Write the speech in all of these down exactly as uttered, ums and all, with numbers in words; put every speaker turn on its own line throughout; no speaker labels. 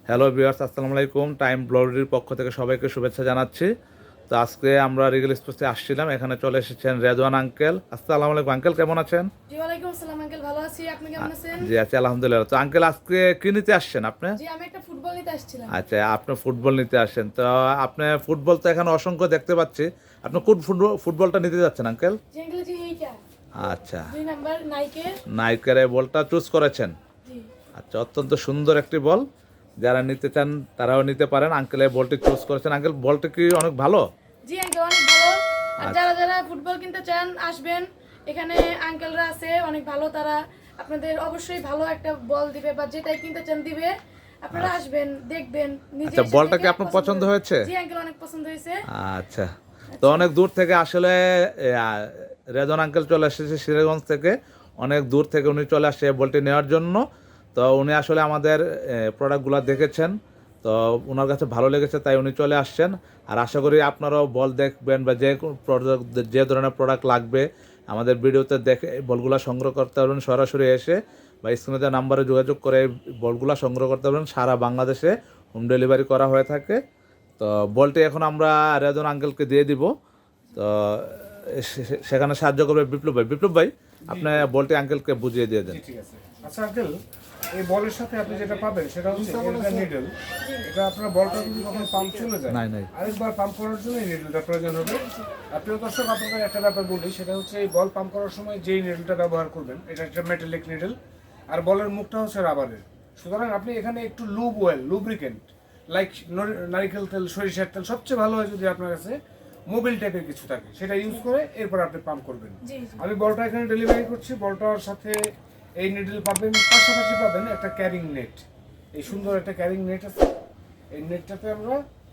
Hello viewers, আসসালামু আলাইকুম। Time ব্লগের পক্ষ থেকে সবাইকে শুভেচ্ছা জানাচ্ছি। তো আজকে আমরা রিগেল স্পোর্টসে আসছিলাম, এখানে চলে এসেছেন রেজওয়ান আঙ্কেল। আসসালামু আলাইকুম আঙ্কেল, কেমন আছেন?
জি ওয়ালাইকুম আসসালাম আঙ্কেল, ভালো আছি। আপনি কেমন আছেন?
জি আছি আলহামদুলিল্লাহ। তো আঙ্কেল আজকে কি নিতে আসছেন আপনি?
জি আমি একটা ফুটবল নিতে আসছিলাম।
আচ্ছা, আপনি ফুটবল নিতে আসেন। তো আপনি ফুটবল তো এখানে অসংখ্য দেখতে পাচ্ছি, আপনি কোন ফুটবল ফুটবলটা নিতে যাচ্ছেন আঙ্কেল?
জি আঙ্কেল, জি এইটা
আচ্ছা,
দুই নাম্বার নাইকের।
নাইকের এই বলটা চুজ করেছেন।
জি
আচ্ছা, অত্যন্ত সুন্দর একটি বল। যারা নিতে চান তারাও নিতে পারেন। আঙ্কেল এই বলটি চুজ করেছেন। আঙ্কেল বলটা কি অনেক ভালো?
জি আঙ্কেল, অনেক ভালো। আর
আচ্ছা।
যারা যারা ফুটবল কিনতে চান আসবেন, এখানে আঙ্কেলরা আছে অনেক ভালো। তারা আপনাদের অবশ্যই ভালো একটা বল দিবে, বা যেটাই কিনতে চান দিবে। আপনারা আসবেন, দেখবেন, নিজে
আচ্ছা,
এসে
বলটা কি
দেখে
আপনার
পছন্দ
পছন্দ
হবে।
হয়েছে?
জি আঙ্কেল, অনেক পছন্দ হয়েছে।
আচ্ছা, তো অনেক দূর থেকে আসলে এ, আ, রেজন আঙ্কেল চলে এসেছে সিরাজগঞ্জ থেকে। অনেক দূর থেকে উনি চলে আসছে এই বলটি নেওয়ার জন্য। তো উনি আসলে আমাদের প্রোডাক্টগুলো দেখেছেন, তো ওনার কাছে ভালো লেগেছে, তাই উনি চলে আসছেন। আর আশা করি আপনারাও বল দেখবেন, বা যে প্রোডাক্ট যে ধরনের প্রোডাক্ট লাগবে আমাদের ভিডিওতে দেখে এই বলগুলো সংগ্রহ করতে পারবেন সরাসরি এসে, বা স্ক্রিনে দেওয়া নাম্বারে যোগাযোগ করে এই বলগুলো সংগ্রহ করতে পারবেন। সারা বাংলাদেশে হোম ডেলিভারি করা হয়ে থাকে। তো বলটি এখন আমরা রেজন আঙ্কেলকে দিয়ে দিব। তো সে- সে- সেখানে সাহায্য করবে বিপ্লব ভাই। বিপ্লব ভাই, আপনি বলটি আঙ্কেলকে বুঝিয়ে দিয়ে দেন।
জি, ঠিক আছে। আচ্ছা আঙ্কেল, এই বলের সাথে আপনি যেটা পাবেন সেটা হচ্ছে এটা নিডল। এটা আপনার বলটা যদি যখন পাম্প চলে যায়,
নাই নাই
আরেকবার পাম্প করার জন্য এই নিডলটা প্রয়োজন হবে। আর প্রিয় দর্শক, আপনাদের একটা ব্যাপার বলি, সেটা হচ্ছে এই বল পাম্প করার সময় যেই নিডলটা ব্যবহার করবেন এটা একটা মেটালিক নিডল, আর বলের মুখটা হচ্ছে রাবারের। সুতরাং আপনি এখানে একটু লুব ওয়েল লুব্রিকেন্ট লাইক নারিকেল তেল, সরিষার তেল, সবচেয়ে ভালো হয় যদি আপনার কাছে মোবিল টাইপের কিছু থাকে, সেটা ইউজ করে এরপর আপনি পাম্প করবেন।
জি জি
আমি বলটা এখানে ডেলিভারি করছি। বলটার সাথে এই নিডল পাবেন, পাশাপাশি পাবেন একটা ক্যারিং নেট। এই সুন্দর একটা ক্যারিং নেট আছে। এই নেটটাতে আমরা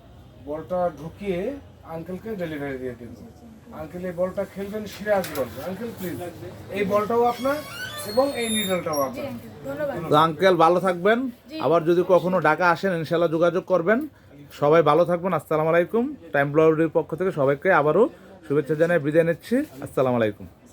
বলটা ঢুকিয়ে আঙ্কেলকে ডেলিভারি দিয়ে দেব। আঙ্কেল এই বলটা খেলবেন সিরাজগঞ্জ। আঙ্কেল প্লিজ, এই বলটাও আপনার এবং এই নিডলটাও
জি
আপনার।
আঙ্কেল, ধন্যবাদ।
তো আঙ্কেল ভালো থাকবেন। আবার যদি কখনো ঢাকা আসেন ইনশাল্লাহ যোগাযোগ করবেন। সবাই ভালো থাকবেন। আসসালামু আলাইকুম। টাইম ব্লগের পক্ষ থেকে সবাইকে আবারও শুভেচ্ছা জানিয়ে বিদায় নিচ্ছি। আসসালামু আলাইকুম।